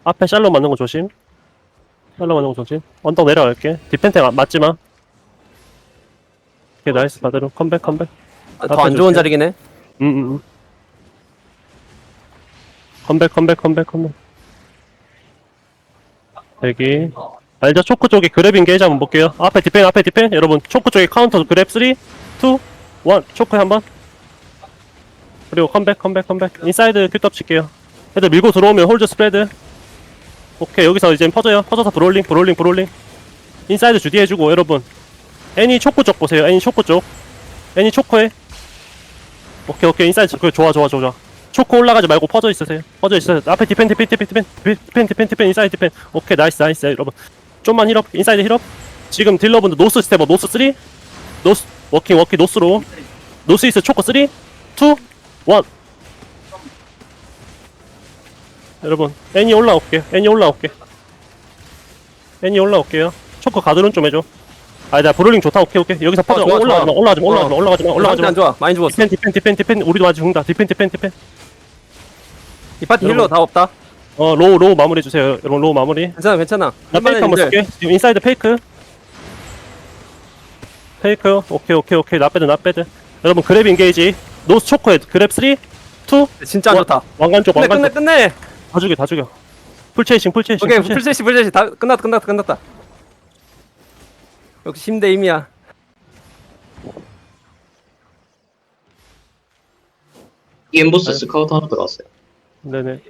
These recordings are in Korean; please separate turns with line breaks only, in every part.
앞에 샬롯 맞는 거 조심. 샬롯 맞는 거 조심. 언덕 내려갈게. 디펜텍 맞지마. 오케이 나이스 다들 컴백 컴백.
더 안 좋은 자리긴 해.
컴백 대기. 알죠? 초크 쪽에 그랩 인게이지 한번 볼게요. 앞에 디펜 여러분 초크 쪽에 카운터 그랩 3 2 1 초크 한번. 그리고 컴백 인사이드 큐떡 칠게요. 애들 밀고 들어오면 홀드 스프레드. 오케이 여기서 이제 퍼져서 브롤링 인사이드 주디 해주고 여러분 애니 초코 쪽 보세요. 애니 초코 쪽 애니 초코에 오케이 인사이드 좋아 초코 올라가지 말고 퍼져 있으세요. 앞에 디펜 인사이드 디펜. 오케이 나이스 여러분 좀만 힐업 인사이드 힐업. 지금 딜러분들 노스 스텝업 노스 3 노스 워킹 노스로 노스 이스 초코 3 2 1 여러분 애니 올라올게요. 초코 가드론 좀 해줘. 나 브롤링 좋다. 오케이 여기서 퍼져. 올라가지 마.
안 좋아. 많이 죽었어.
디펜 우리도 아직 죽는다. 디펜
이 파티 힐러
여러분.
다 없다.
로우 마무리 해주세요. 여러분 로우 마무리.
괜찮아.
나 페이크 한번 쓸게. 지금 인사이드 페이크. 오케이 낫배드. 여러분 그랩 인게이지. 노스 초코헤드 그랩 3 2
진짜 안 좋다.
왕관 쪽
끝내.
다 죽여. 풀체이싱.
오케이 풀셋이 다 끝났다. 역시 힘대 힘이야.
엠보스 스카우트 하나 들어왔어요.
네네.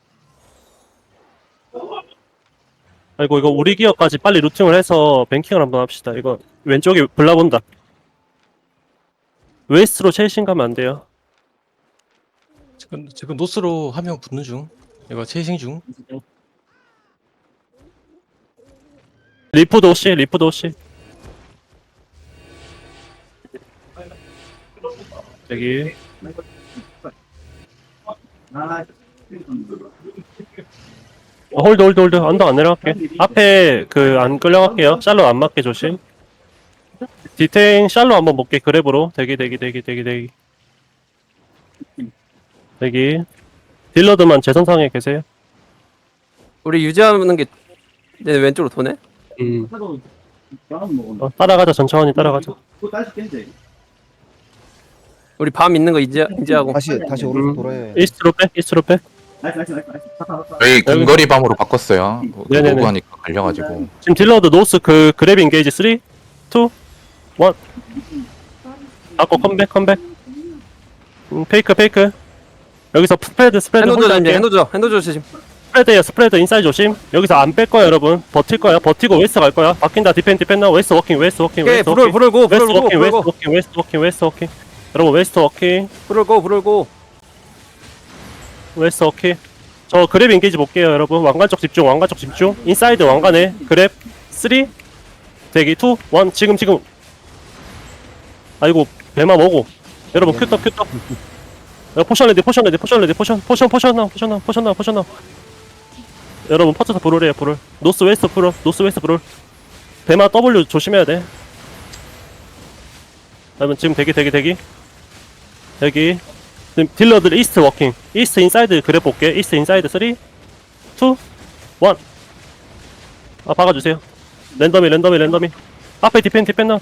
아이고 이거 우리 기어까지 빨리 루팅을 해서 뱅킹을 한번 합시다. 이거 왼쪽에 블라본다. 웨스트로 체이싱 가면 안 돼요.
지금 노스로 한 명 붙는 중. 이거 체이싱 중.
리프도 오시. 여기. 홀드. 언덕 안 내려갈게. 앞에 안 끌려갈게요. 샬롯 안 맞게 조심. 디테인 샬롯 한번 볼게. 그랩으로. 대기. 딜러드만 제선상에 계세요.
우리 유지하는 게 내 왼쪽으로 도네.
따라가자. 천천히 따라가자.
우리 밤 있는 거 인지하고.
다시 오른쪽 돌아야 해.
이스트로 빼.
저희 근거리 밤으로 바꿨어요.
네네네.
노구 하니까 갈려가지고.
지금 딜러드 노스 그랩 인게이지 3 2 1 아까 컴백 페이크 여기서 스프레드
핸드 조심.
스프레드 인사이드 조심. 여기서 안 뺄 거야 여러분. 버틸 거야. 버티고 웨스트 갈 거야. 바뀐다. 디펜 나 웨스트 워킹
오케이 불을 고.
웨스트 워킹 여러분 웨스트 워킹 웨스트 워킹. 저 그랩 인게이지 볼게요 여러분. 왕관 쪽 집중 인사이드 왕관에 그랩 3 대기 2 1 지금 아이고 배마 뭐고 여러분 큐떡 포션 레디 포션 나와 여러분 퍼쳐서 불을 노스 웨스트 불을 배마 W 조심해야 돼. 여러분 지금 대기 지금 딜러들 이스트 워킹 이스트 인사이드 그랩 볼게. 이스트 인사이드 3 2 1 박아주세요. 랜덤이 앞에 디펜 나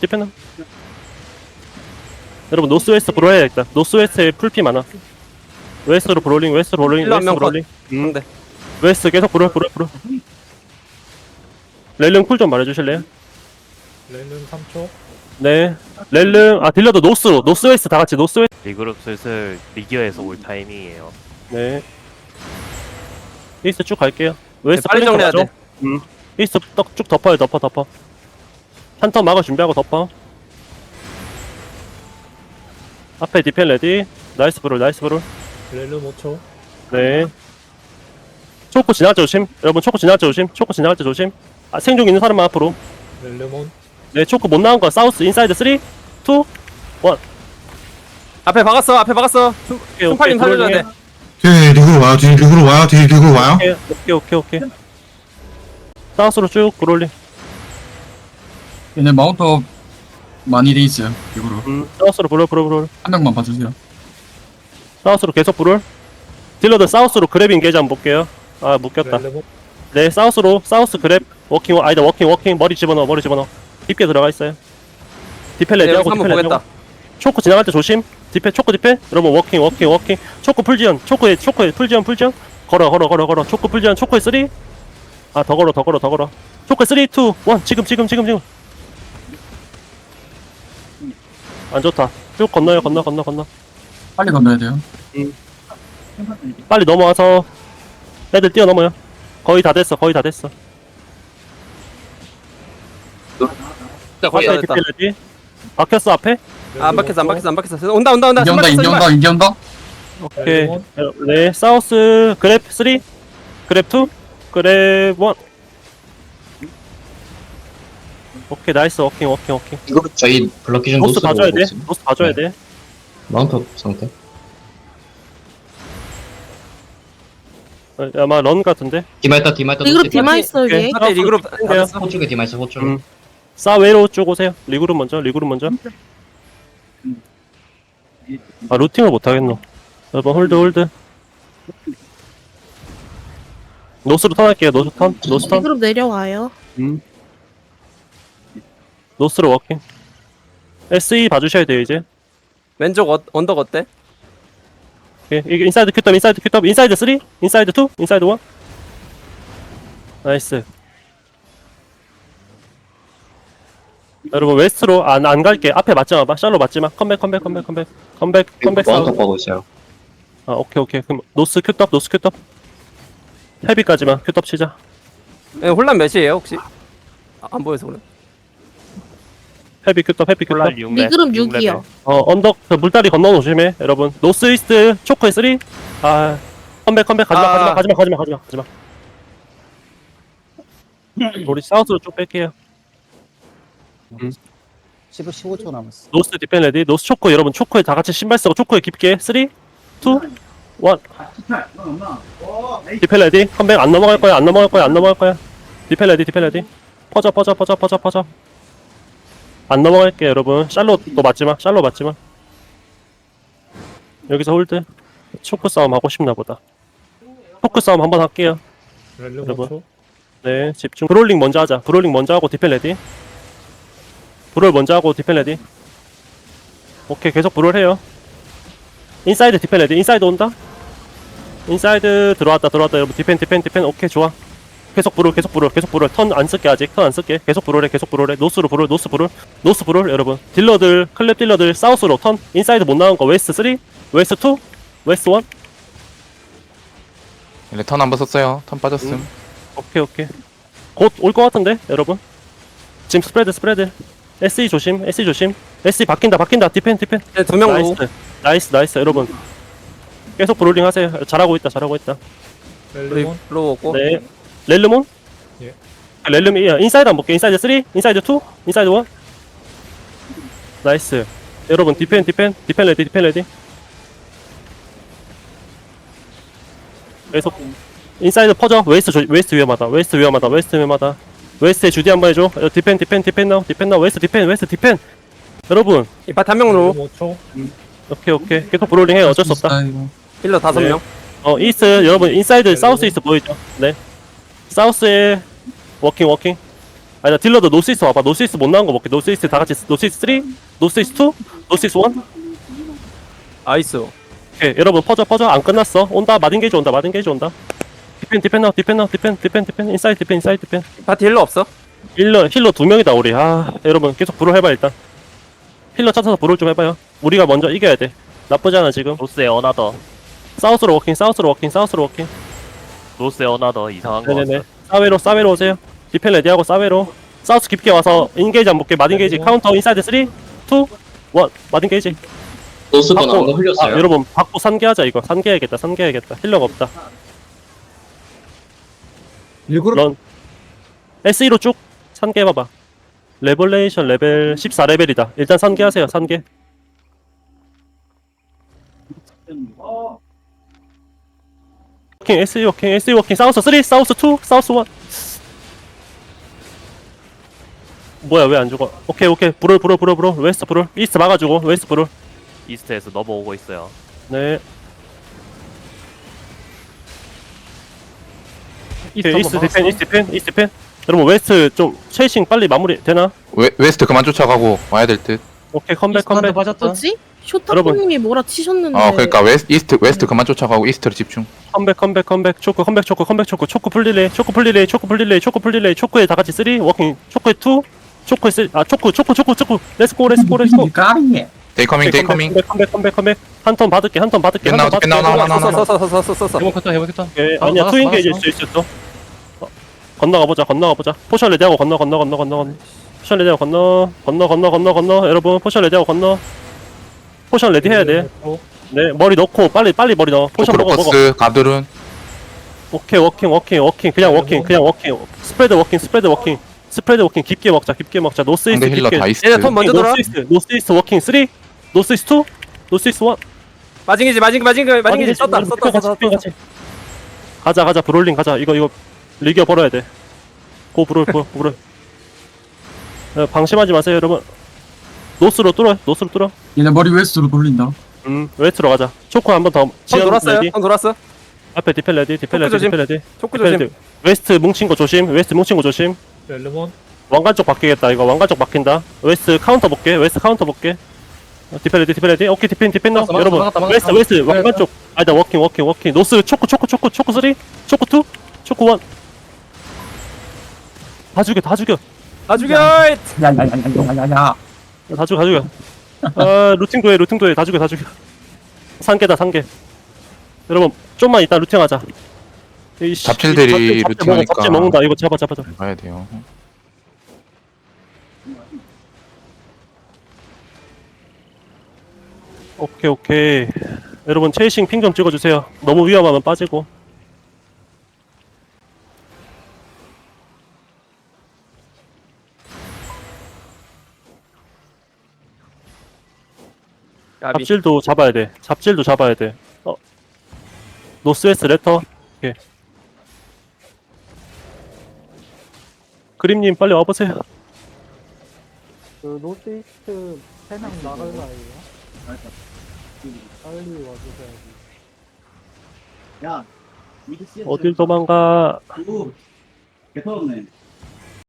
여러분 노스 웨스트 브로 해야겠다. 노스 웨스트에 풀피 많아. 웨스트로 브롤링
힐러 한명
네. 웨스트 계속 브롤 렐름 쿨 좀 말해주실래요?
렐름 3초.
네 렐름 딜러도 노스 웨스트 다같이 노스 웨스트.
리그룹 슬슬 미디어에서 올 타이밍이에요.
네 이스트 쭉 갈게요. 웨스트
빨리 정리해야 돼.
이스트 쭉 덮어요. 한턴 막아 준비하고 덮어. 앞에 디펜 레디. 나이스 브롤
렐름 5초.
네 초코 지나갈 때 조심. 여러분 초코 지나갈 때 조심. 생존 있는 사람만 앞으로.
렐름 온.
네 초코 못 나온 거 사우스 인사이드 3 2 1
앞에 박았어. 순팔님 살려줘야 돼.
뒤에 리그로 와요.
오케이 사우스로 쭉 브롤링.
얘네 마운터 많이 돼 있어요. 이거로
사우스로 브롤
한 명만 봐주세요.
사우스로 계속 브롤. 딜러들 사우스로 그랩 인게이지 한번 볼게요. 묶였다.
렐름 온.
네, 사우스로, 사우스 그랩, 워킹, 아니다, 워킹, 머리 집어넣어, 머리 집어넣어. 깊게 들어가 있어요. 디펠
네,
레디하고,
여기서 한번
디펠
보겠다.
레디하고. 초코 지나갈 때 조심. 디펠, 초코 디펠. 여러분, 워킹. 초코 풀지연, 초코에, 풀지연. 걸어. 초코 풀지연, 초코에 3. 아, 더 걸어. 초코에 3, 2, 1. 지금. 안 좋다. 쭉 건너요, 건너.
빨리 건너야 돼요.
빨리 넘어와서 애들 뛰어넘어요. 거의 다 됐어.
자, 거의 다
앞에
됐다.
디펠 레디. 막혔어, 앞에.
아, 안 박혔어. 온다.
인기 온다.
오케이. 네, 사우스 그랩 3, 그랩 2, 그랩 1. 오케이, 나이스. 워킹.
이거 저희 블럭 기준
노스
노스로
봐줘야
오고
돼.
있습니다.
노스 봐줘야 돼.
마운트 상태.
아마 런 같은데.
디마이터
리그룹 디마 있어 위에.
파티 리그룹 다
오케이.
됐어.
호쪽에 디마이터 호쪽에.
사웨로 쪽 오세요. 리그룹 먼저. 아, 루팅을 못 하겠노. 여러분, 홀드. 노스로 턴할게요. 노스 턴.
리그룹 내려와요.
노스로 워킹. SE 봐주셔야 돼요, 이제.
왼쪽 언덕 어때?
오케이. 이게 인사이드 큐탑. 인사이드 3, 인사이드 2, 인사이드 1. 나이스. 여러분, 웨스트로 안 갈게. 앞에 맞지 마. 샬로 맞지 마. 컴백
마운트
사우스.
가고 있어요.
아, 오케이. 그럼 노스 큐탑. 헤비까지만 큐탑 치자.
예, 혼란 몇이에요 혹시? 안 보여서 그래.
헤비 큐탑.
폴란 6렙.
리그룹 6이요.
언덕 그 물다리 건너 놓으시면 여러분. 노스 이스트 초코에 3. 아, 컴백 가지마. 우리 사우스로 쭉 뺄게요.
15초 남았어.
노스 디펜 레디. 노스 초코 여러분. 초코에 다 같이 신발 쓰고 초코에 깊게 3, 2, 1. 디펜 레디. 컴백 안 넘어갈 거야. 디펜 레디. 퍼져. 안 넘어갈게 여러분. 샬롯 또 맞지마. 여기서 홀드. 초크 싸움 하고 싶나 보다. 초크 싸움 한번 할게요.
렐름
여러분.
5초.
네, 집중. 브롤링 먼저 하자. 브롤링 먼저 하고 디펜 레디. 브롤 먼저 하고 디펜 레디. 오케이, 계속 브롤 해요. 인사이드 디펜 레디. 인사이드 온다. 인사이드 들어왔다. 여러분 디펜. 오케이, 좋아. 계속 브롤. 턴 안 쓸게 아직. 계속 브롤해. 노스로 브롤 여러분. 딜러들, 클랩 딜러들 사우스로 턴. 인사이드 못 나온 거 웨스트 3, 웨스트 2, 웨스트 1.
얘네 턴 한번 썼어요. 턴 빠졌음.
오케이. 곧 올 것 같은데, 여러분. 지금 스프레드. SE 조심. SE 바뀐다. 디펜.
네, 2명 로우.
나이스, 여러분. 계속 브롤링 하세요. 잘하고 있다.
렐름온.
로우 없고.
네. 렐르몬?
예.
렐름이야. 인사이드 안 볼게. 인사이드 3, 인사이드 2, 인사이드 1. 나이스. 여러분, 디펜 레디. 계속. 인사이드 퍼져. 웨스트 위험하다. 웨스트에 주디 한번 해줘. 디펜 나우. 웨스트 디펜. 여러분,
이 파티 한명 로우.
렐름 5초.
오케이. 계속 브롤링 해. 어쩔 수 없다.
힐러 5명.
이스트, 여러분, 인사이드, 사우스 이스트 보이죠? 네. 사우스에, 워킹. 아니다, 딜러도 노스 이스트 와봐. 노스 이스트 못 나온 거 볼게. 노스 이스트 다 같이, 노스 이스트 3, 노스 이스트 2, 노스 이스트 1.
아이스.
오케이, 여러분, 퍼져. 안 끝났어. 온다. 마딘게이지 온다. 디펜 나우. 인사이드 디펜.
파티 힐러 없어?
힐러 2명이다, 우리. 아, 여러분, 계속 브롤 해봐, 일단. 힐러 찾아서 브롤 좀 해봐요. 우리가 먼저 이겨야 돼. 나쁘지 않아, 지금.
노스에 어나더.
사우스로 워킹.
노스에 어나더 이상한 거.
네네네. 사웨로 오세요. 디펜 레디하고 사웨로. 사우스 깊게 와서 인게이지 안 볼게. 마딘게이지 카운터 인사이드 3, 2, 1. 마딘게이지.
노스 거 나온 거 흘렸어요.
여러분 받고 산계하자 이거. 산계해야겠다. 힐러가 없다. 런. SE로 쭉 산계해봐봐. 레볼레이션 레벨 14레벨이다. 일단 산계하세요. 워킹, SE 워킹. 사우스 3, 사우스 2, 사우스 1. 뭐야, 왜 안 죽어? 오케이. 브롤. 웨스트 브롤. 이스트 막아주고, 웨스트 브롤.
이스트에서 넘어오고 있어요.
네. 오케이, 이스트 디펜, 이스트 디펜, 이스트 디펜. 여러분 웨스트 좀 쉐이싱 빨리 마무리 되나?
웨스트 그만 쫓아가고 와야 될 듯.
오케이, 컴백, 컴백.
뭐지?
여러분.
쇼타코님이 뭐라 치셨는데.
그러니까 웨스트 그만 쫓아가고 이스트로 집중.
컴백, 컴백, 컴백. 초크, 컴백, 초크, 컴백, 초크. 초크 풀릴레이, 초크 풀릴레이, 초크 풀릴레이, 초크 풀릴레이. 초크에 다 같이 3 워킹. 초크에 2. 초크에 3. 아, 초크. 렛츠고, 렛츠고, 렛츠고.
까리해.
데이커밍 데이커밍.
컴백. 한 턴 받을게, 한 턴 받을게.
나.
썼어.
해보겠다 해보겠다.
오케이, 아니야, 투인게 이제 수 있었어. 건너가 보자. 포션 레디하고 건너. 포션 레디하고 건너. 여러분, 포션 레디하고 건너. 포션 레디 해야 돼. 네, 머리 넣고 빨리 머리 넣어. 포션 먹어.
크로커스 가드룬.
오케이, 워킹. 그냥 워킹. 스프레드 워킹. 깊게 먹자. 노스 이스트
상대 힐러
깊게.
다 이스트.
얘네 턴 먼저 돌아.
노스 이스트 워킹 3. 노스 이스트 2. 노스 이스트 1.
마징이지 썼다.
가자. 브롤링 가자. 이거 리기어 벌어야 돼. 고 브롤. 방심하지 마세요, 여러분. 노스로 뚫어.
얘네 머리 웨스트로 돌린다.
웨스트로 가자. 초코 한 번 더.
턴 돌았어.
앞에 디펜 레디.
조심. 초크 조심.
웨스트 뭉친 거 조심.
렐레몬.
왕관 쪽 바뀌겠다. 이거 왕관 쪽 바뀐다. 웨스트 카운터 볼게. 디펜 레디. 오케이, 디펜 넣어. 여러분. 웨스트 왕관 쪽. 아니다, 워킹. 노스 초코 3. 초코 2. 초코 1. 다 죽여.
다 죽여.
야야야야야야야.
다 죽여. 루팅도 해. 다 죽여. 상계다. 여러분, 좀만 이따 루팅하자.
잡질들이 루팅하니까.
잡질 먹는다. 이거 잡아.
가야 돼요.
오케이. 여러분, 체이싱 핑 좀 찍어주세요. 너무 위험하면 빠지고. 잡질도 잡아야 돼. 노스웨스트 레터. 오케이. 그림님 빨리 와보세요.
그 노스이스트 세명 나갈 나이에요. 빨리 와주셔야지.
어딜 도망가.
개터졌네.